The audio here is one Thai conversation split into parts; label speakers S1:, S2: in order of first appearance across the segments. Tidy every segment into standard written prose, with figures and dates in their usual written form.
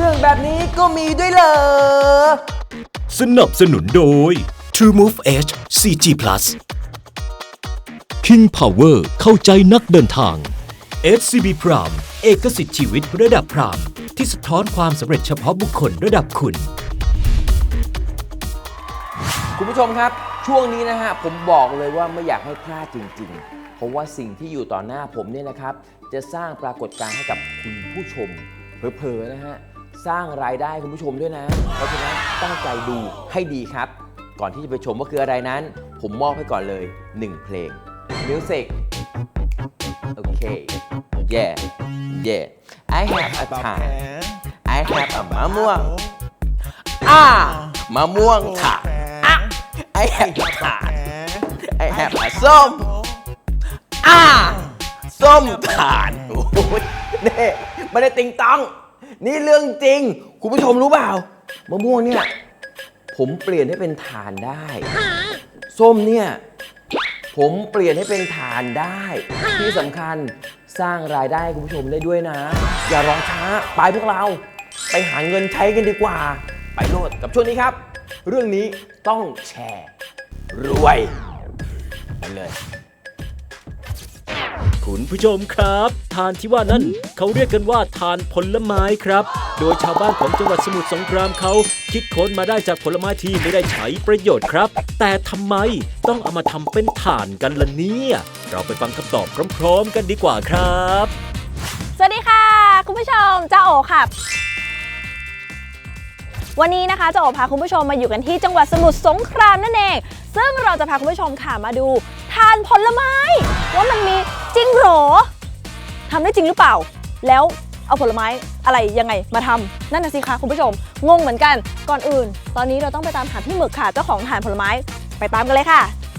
S1: รื่องแบบนี้ก็มีด้วยเหรอ
S2: สนับสนุนโดย True Move Edge 4G Plus King Power เข้าใจนักเดินทาง SCB Prime เอกสิทธิ์ชีวิตระดับพรามที่สะท้อนความสำเร็จเฉพาะบุคคลระดับคุณ
S1: คุณผู้ชมครับช่วงนี้นะฮะผมบอกเลยว่าไม่อยากให้พลาดจริงๆเพราะว่าสิ่งที่อยู่ต่อหน้าผมเนี่ยนะครับจะสร้างปรากฏการณ์ให้กับคุณผู้ชมเผลอๆนะฮะสร้างรายได้คุณผู้ชมด้วยนะเพราะฉะนั้นตั้งใจดูให้ดีครับก่อนที่จะไปชมว่าคืออะไรนั้นผมมอบให้ก่อนเลย1เพลง Music โอเค yeah I have a time I have a มะม่วงมะม่วงค่ะ I have a ถาด I have a ส้มส้มถาดโอ้ยนี่ไม่ได้ติงตองนี่เรื่องจริงคุณผู้ชมรู้เปล่ามะม่วงเนี่ยผมเปลี่ยนให้เป็นฐานได้ส้มเนี่ยผมเปลี่ยนให้เป็นฐานได้ที่สำคัญสร้างรายได้ให้คุณผู้ชมได้ด้วยนะอย่ารอช้าไปพวกเราไปหาเงินใช้กันดีกว่าไปโลดกับช่วงนี้ครับเรื่องนี้ต้องแชร์รวยไปเลย
S2: คุณผู้ชมครับทานที่ว่านั้นเขาเรียกกันว่าทานผลไม้ครับโดยชาวบ้านของจังหวัดสมุทรสงครามเขาคิดค้นมาได้จากผลไม้ที่ไม่ได้ใช้ประโยชน์ครับแต่ทำไมต้องเอามาทำเป็นถ่านกันล่ะเนี่ยเราไปฟังคำตอบพร้อมๆกันดีกว่าครับ
S3: สวัสดีค่ะคุณผู้ชมจ้าโอค่ะวันนี้นะคะจ้าโอพาคุณผู้ชมมาอยู่กันที่จังหวัดสมุทรสงครามนั่นเองซึ่งเราจะพาคุณผู้ชมค่ะมาดูทานผลไม้ว่ามันมีจริงหรอทำได้จริงหรือเปล่าแล้วเอาผลไม้อะไรยังไงมาทำนั่นน่ะสิคะคุณผู้ชมงงเหมือนกันก่อนอื่นตอนนี้เราต้องไปตามหาพี่หมึกค่ะเจ้าของทานผลไม้ไปตามกันเลยค่ะ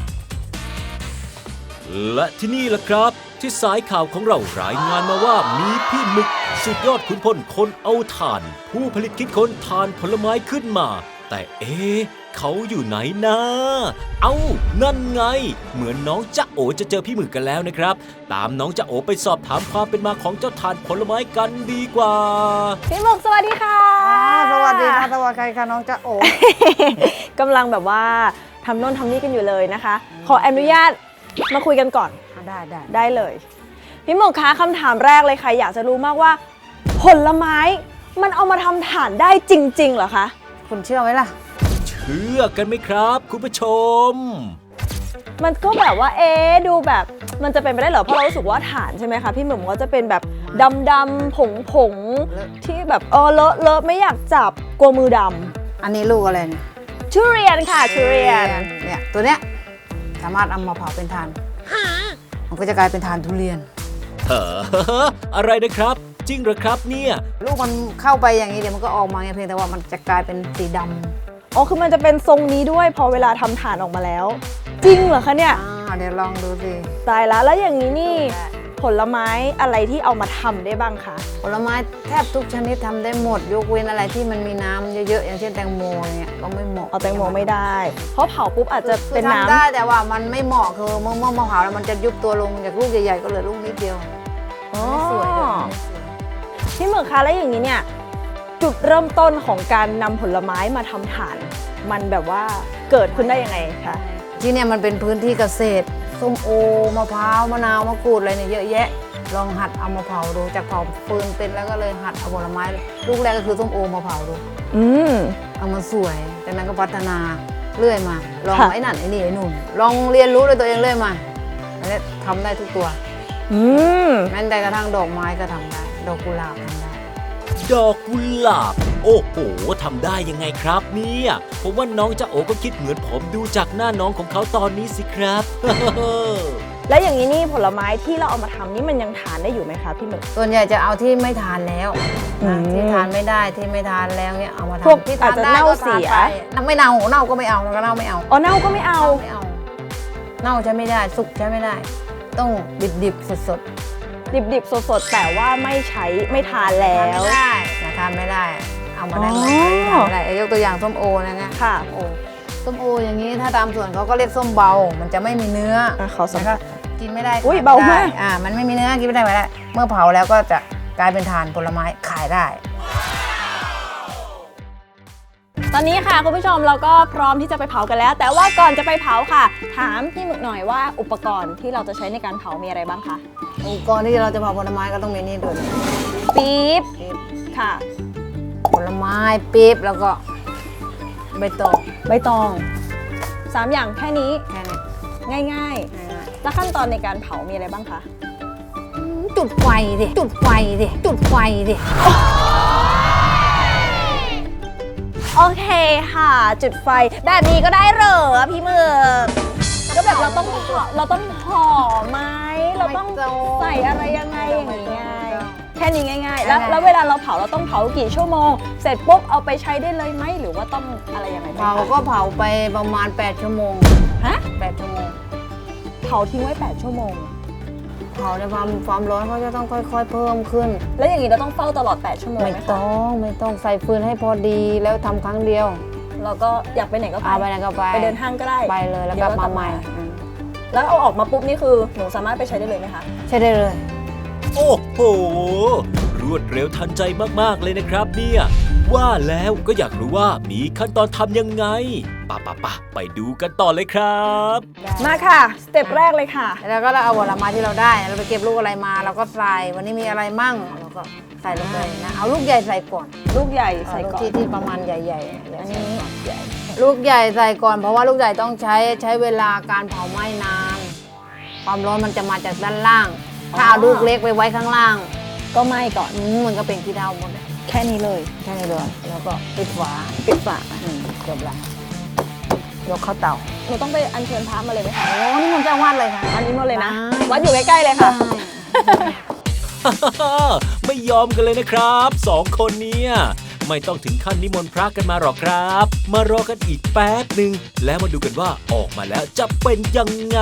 S2: และที่นี่ล่ะครับที่สายข่าวของเรารายงานมาว่ามีพี่หมึกสุดยอดขุนพลคนเอาถ่านผู้ผลิตคิดค้นถ่านผลไม้ขึ้นมาแต่เขาอยู่ไหนนะนั่นไงเหมือนน้องจ๊ะโอจะเจอพี่หมึกกันแล้วนะครับตามน้องจ๊ะโอไปสอบถามความเป็นมาของเจ้าถ่านผลไม้กันดีกว่า
S3: พี่หมึกสวัสดีค่ะ
S4: สวัสดีค่ะสวัสดีค่ะน้องจ๊ะโอ
S3: กำลังแบบว่าทำโน่นทำนี่กันอยู่เลยนะคะขออนุญาตมาคุยกันก่อนได้เลยพี่หมึกคะคำถามแรกเลยค่ะอยากจะรู้มากว่าผลไม้มันเอามาทำถ่านได้จริงๆเหรอคะ
S4: คุณเชื่อไหมล่ะ
S2: เชื่อกันไหมครับคุณผู้ชม
S3: มันก็แบบว่าดูแบบมันจะเป็นไปได้เหรอเพราะเรารู้สึกว่าถ่านใช่ไหมคะพี่หมึกก็จะเป็นแบบดำๆผงที่แบบเลอะไม่อยากจับกลัวมือด
S4: ำอันนี้ลูกอะไรเนี่ย
S3: ทุเรียนค่ะทุเรียน
S4: เนี่ยตัวเนี้ยสามารถเอามาเผาเป็นถ่านมันก็จะกลายเป็นถ่านทุเรียน
S2: อะไรนะครับจริงเหรอครับเนี่ย
S4: ลูกมันเข้าไปอย่างนี้เดี๋ยวมันก็ออกมาเพียงแต่ว่ามันจะกลายเป็นสีดำ
S3: คือมันจะเป็นทรงนี้ด้วยพอเวลาทำถ่านออกมาแล้วจริงเหรอคะเนี่ย
S4: เดี๋ยวลองดูสิ
S3: ตายแล้วอย่างนี้นี่ผลไม้อะไรที่เอามาทำได้บ้างคะ
S4: ผลไม้แทบทุกชนิดทำได้หมดยกเว้นอะไรที่มันมีน้ำเยอะๆอย่างเช่นแตงโมเนี่ยก็ไม่เหมาะ
S3: เอาแตงโมไม่ได้เพราะเผาปุ๊บอาจจะเป็นน้ำ
S4: ได้แต่ว่ามันไม่เหมาะคือเมื่อเผาแล้วมันจะยุบตัวลงจากลูกใหญ่ๆก็เหลือลูกนิดเดียวไม่สวยเลย
S3: พี่หมึกคะแล้วอย่างนี้เนี่ยจุดเริ่มต้นของการนำผลไม้มาทำถ่านมันแบบว่าเกิดขึ้นได้ยังไงคะ
S4: ที่เนี่ยมันเป็นพื้นที่เกษตรส้มโอมะพร้าวมะนาวมะกรูดอะไรเนี่ยเยอะแยะลองหัดเอามาเผาดูจากเผาฟืนเป็นแล้วก็เลยหัดเอาผลไม้ลูกแรกก็คือส้มโอมาเผาดูเอามาสวยจากนั้นก็พัฒนาเรื่อยมาลองไอ้นั่นไอ้นี่ไอ้นู่นลองเรียนรู้ด้วยตัวเองเรื่อยมาอันนี้ทำได้ทุกตัวแม้แต่กระทั่งดอกไม้ก็ทำได้ดอกกุหลาบทำได้
S2: ดอกกุหลาบโอ้โหทำได้ยังไงครับเนี่ยผมว่าน้องจ๊ะโอก็คิดเหมือนผมดูจากหน้าน้องของเขาตอนนี้สิครับ
S3: แล้วอย่างนี้นี่ผลไม้ที่เราเอามาทำนี่มันยังทานได้อยู่ไหมคะพี่หมึก
S4: ส่วนใหญ่จะเอาที่ไม่ทานแล้วที่ทานไม่ได้ที่ไม่ทานแล้วเนี่ยเอามาทำ
S3: พวกที่อาจจะเน่าเสีย
S4: ไม่เน่าก็ไม่เอาก็เน่าไม่เอา
S3: เน่าก็ไม่เอา
S4: เน่าใช้ไม่ได้สุกใช้ไม่ได้ต้องดิบสด
S3: สดแต่ว่าไม่ทานแล้ว
S4: ไม่ได้ทานไม่ได้เอามาได้หมดทานไม่ได้ยกตัวอย่างส้มโอนะเนี่ย
S3: ค่ะ
S4: ส้มโออย่างนี้ถ้าตามส่วนเขาก็เรียกส้มเบามันจะไม่มีเนื้อ
S3: เขาสัก
S4: กินไม่ได้
S3: เบามาก
S4: มันไม่มีเนื้อกินไม่ได้เมื่อเผาแล้วก็จะกลายเป็นถ่านผลไม้ขายได้
S3: ตอนนี้ค่ะคุณผู้ชมเราก็พร้อมที่จะไปเผากันแล้ว แต่ว่าก่อนจะไปเผาค่ะ ถามพี่หมึกหน่อยว่าอุปกรณ์ที่เราจะใช้ในการเผามีอะไรบ้างคะ
S4: อุปกรณ์ที่เราจะเผาผลไม้ก็ต้องมีนี่ด้วย
S3: ปี๊บ
S4: ปี๊บ
S3: ค่ะ
S4: ผลไม้ปี๊บแล้วก็ใบตอง
S3: ใบตอง3อย่างแค่นี้
S4: แค่นี้
S3: ง่าย
S4: ง่าย
S3: ๆแล้วขั้นตอนในการเผามีอะไรบ้างคะ
S4: ๆจุดไฟดิจุดไฟดิจุดไฟดิ
S3: โอเคค่ะ จุดไฟแบบนี้ก็ได้เหรอพี่หมึกก็แบบเราต้องห่อไหมเราต้องใส่อะไรยังไงอย่างนี้ไงแค่นี้ง่ายๆ แล้วเวลาเราเผาเราต้องเผากี่ชั่วโมง เสร็จปุ๊บเอาไปใช้ได้เลยไหมหรือว่าต้องอะไรยังไงบ้าง
S4: เผา
S3: คะ
S4: ก็เผาไปประมาณ8ชั่วโมง
S3: ฮะ
S4: 8ชั่วโมง
S3: เผาทิ้งไว้8ชั่วโมง
S4: เผาในความร้อนเขาจะต้องค่อยๆเพิ่มขึ้น
S3: แล้วอย่างนี้เราต้องเฝ้าตลอด8ชั่วโมง
S4: ไม่
S3: ไหม
S4: ต้
S3: คะ
S4: องไม่ต้องใส่ฟืนให้พอดีแล้วทำครั้งเดียว
S3: เราก็อยากไปไหนก็ไป
S4: เอาไปไหนก็ไป
S3: ไปเดินห้างก็ได้
S4: ไปเลยแล้ว
S3: ดี๋
S4: กลับมาใหม่อืม
S3: แล้วเอาออกมาปุ๊บนี่คือหนูสามารถไปใช้ได้เลยไหมคะ
S4: ใช่ได้เลย
S2: โอ้โห รวดเร็วทันใจมากๆเลยนะครับเนี่ยว่าแล้วก็อยากรู้ว่ามีขั้นตอนทำยังไงป่ะไปดูกันต่อเลยครับ
S3: มาค่ะสเต็ปแรกเลยค่ะ
S4: แล้วก็เราเอาผลไม้ที่เราได้เราไปเก็บลูกอะไรมาเราก็ใส่วันนี้มีอะไรมั่งเราก็ใส่ลงไปนะเอาลูกใหญ่ใส่ก่อน
S3: ลูกใหญ่ใส่
S4: ลูก
S3: ก่อน
S4: ที่ประมาณใหญ่ๆ
S3: อันนี้ใหญ่
S4: ลูกใหญ่ใส่ก่อนเพราะว่าลูกใหญ่ต้องใช้เวลาการเผาไหม้นาน ความร้อนมันจะมาจากด้านล่าง ถ้าเอาลูกเล็กไปไว้ข้างล่าง
S3: ก็ไหม้ก่อน
S4: มันก็เป็นขี้เถ้าหมดเลย
S3: แค่นี้เลย
S4: แค่นี้เลยแล้วก็ปิดฝา
S3: ปิดฝา
S4: จบละยกเข้าเตา
S3: หนูต้องไปอัญเชิญพระมาเลยไหมคะ
S4: โอ้นี่มันจะวาดเลยค่ะ
S3: อันนี้หมดเลยนะ
S4: ได้
S3: วัดอยู่ใกล้ๆเลยค่ะ
S2: ไม่ยอมกันเลยนะครับสองคนเนี่ยไม่ต้องถึงขั้นนิมนต์พระกันมาหรอกครับ มารอกันอีกแป๊บหนึ่งแล้วมาดูกันว่าออกมาแล้วจะเป็นยังไง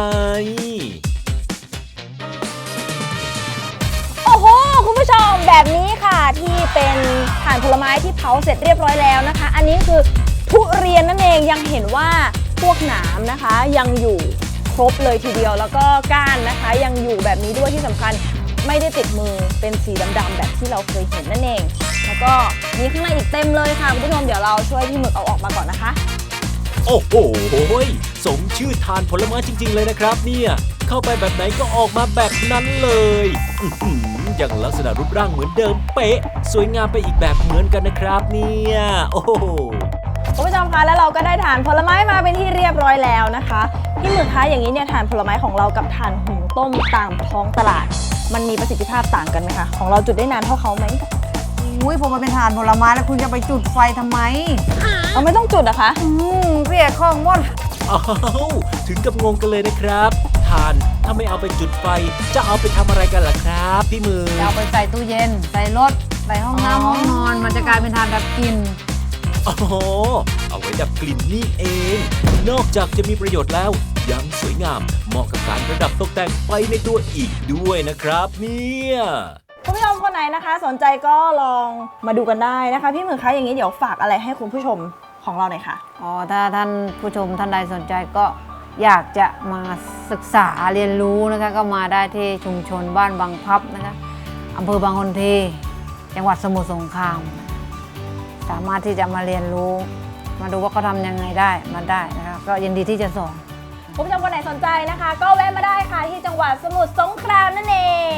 S3: โอ้โหคุณผู้ชมแบบนี้ค่ะที่เป็นถ่านผลไม้ที่เผาเสร็จเรียบร้อยแล้วนะคะ อันนี้คือทุเรียนนั่นเองยังเห็นว่าพวกหนามนะคะ ยังอยู่ครบเลยทีเดียวแล้วก็ก้านนะคะ ยังอยู่แบบนี้ด้วยที่สำคัญไม่ได้ติดมือเป็นสีดำๆแบบที่เราเคยเห็นนั่นเอง แล้วก็มีข้างในอีกเต็มเลยค่ะคุณผู้ชมเดี๋ยวเราช่วยพี่หมึกเอาออกมาก่อนนะคะ
S2: โอ้โหสมชื่อทานผลไม้จริง ๆ เลยนะครับเนี่ยเข้าไปแบบไหนก็ออกมาแบบนั้นเลยอื้อหืออย่างลักษณะรูปร่างเหมือนเดิมเป๊ะ สวยงามไปอีกแบบเหมือนกันนะครับเนี่ยโอ้โห
S3: คุณผู้ชมคะแล้วเราก็ได้ถ่านผลไม้มาเป็นที่เรียบร้อยแล้วนะคะพี่หมึกคะอย่างนี้เนี่ยถ่านผลไม้ของเรากับถ่านหุงต้มตามท้องตลาด มันมีประสิทธิภาพต่างกันไหมคะของเราจุดได้นานเท่าเขาไหม
S4: อุ้ยผมมาเป็นทานผลไม้แล้วคุณจะไปจุดไฟทำไม
S3: เราไม่ต้องจุดอะคะ
S4: เสียของหมด
S2: อ้าวถึงกับงงกันเลยนะครับทานถ้าไม่เอาไปจุดไฟจะเอาไปทำอะไรกันล่ะครับพี่มือ
S4: จะเอาไปใส่ตู้เย็น ใส่รถ ใส่ห้องน้ำห้องนอน มันจะกลายเป็นทานดับกลิ่น
S2: อ๋อเอาไว้ดับกลิ่นนี่เอง นอกจากจะมีประโยชน์แล้ว ยังสวยงามเหมาะกับการประดับตกแต่งไฟในตัวอีกด้วยนะครับเนี่ย
S3: คุณผู้ชมคนไหนนะคะ สนใจก็ลองมาดูกันได้นะคะพี่หมึกคะอย่างนี้เดี๋ยวฝากอะไรให้คุณผู้ชมของเราหน่อยค่ะ
S4: อ๋อ ถ้าท่านผู้ชมท่านใดสนใจก็อยากจะมาศึกษาเรียนรู้นะคะ ก็มาได้ที่ชุมชนบ้านบางพลับนะคะอำเภอบางคนทีจังหวัดสมุทรสงคราม สามารถที่จะมาเรียนรู้ มาดูว่าเขาทำยังไงได้มาได้นะคะก็ยินดีที่จะสอน
S3: คุณผู้ชมคนไหนสนใจนะคะ ก็แวะมาได้ค่ะที่จังหวัดสมุทรสงครามนั่นเอง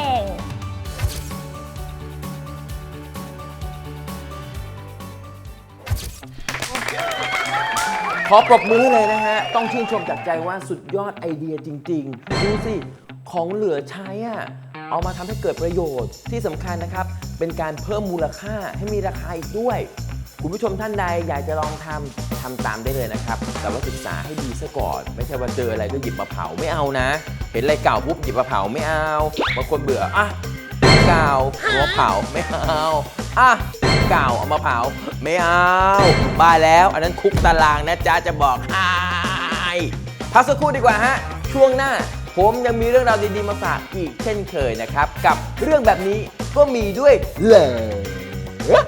S1: ขอปรบมือให้เลยนะฮะ ต้องชื่นชมจากใจว่าสุดยอดไอเดียจริงๆ ดูสิ ของเหลือใช้อะเอามาทำให้เกิดประโยชน์ที่สำคัญนะครับ เป็นการเพิ่มมูลค่าให้มีราคาอีกด้วย คุณผู้ชมท่านใดอยากจะลองทำตามได้เลยนะครับ แต่ว่าศึกษาให้ดีซะก่อน ไม่ใช่ว่าเจออะไรก็หยิบมาเผาไม่เอานะ เห็นอะไรเก่าปุ๊บหยิบมาเผาไม่เอาบางคนเบื่ออ่ะเก่าเอามาเผาไม่เอาอ่ะเก่าเอามาเผาไม่เอาบ้าแล้วอันนั้นคุกตารางนะจ๊ะจะบอกให้พักสักครู่ดีกว่าฮะช่วงหน้าผมยังมีเรื่องราวดีๆมาฝากอีกเช่นเคยนะครับกับเรื่องแบบนี้ก็มีด้วยเหรอ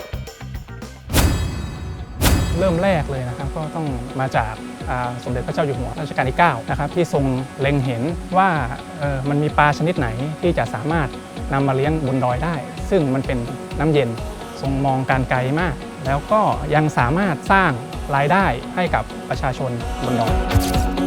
S5: เริ่มแรกเลยนะครับก็ต้องมาจากสมเด็จพระเจ้าอยู่หัวรัชกาลที่9นะครับที่ทรงเล็งเห็นว่ามันมีปลาชนิดไหนที่จะสามารถนำมาเลี้ยงบนดอยได้ ซึ่งมันเป็นน้ำเย็นทรงมองการไกลมากแล้วก็ยังสามารถสร้างรายได้ให้กับประชาชนบนดอย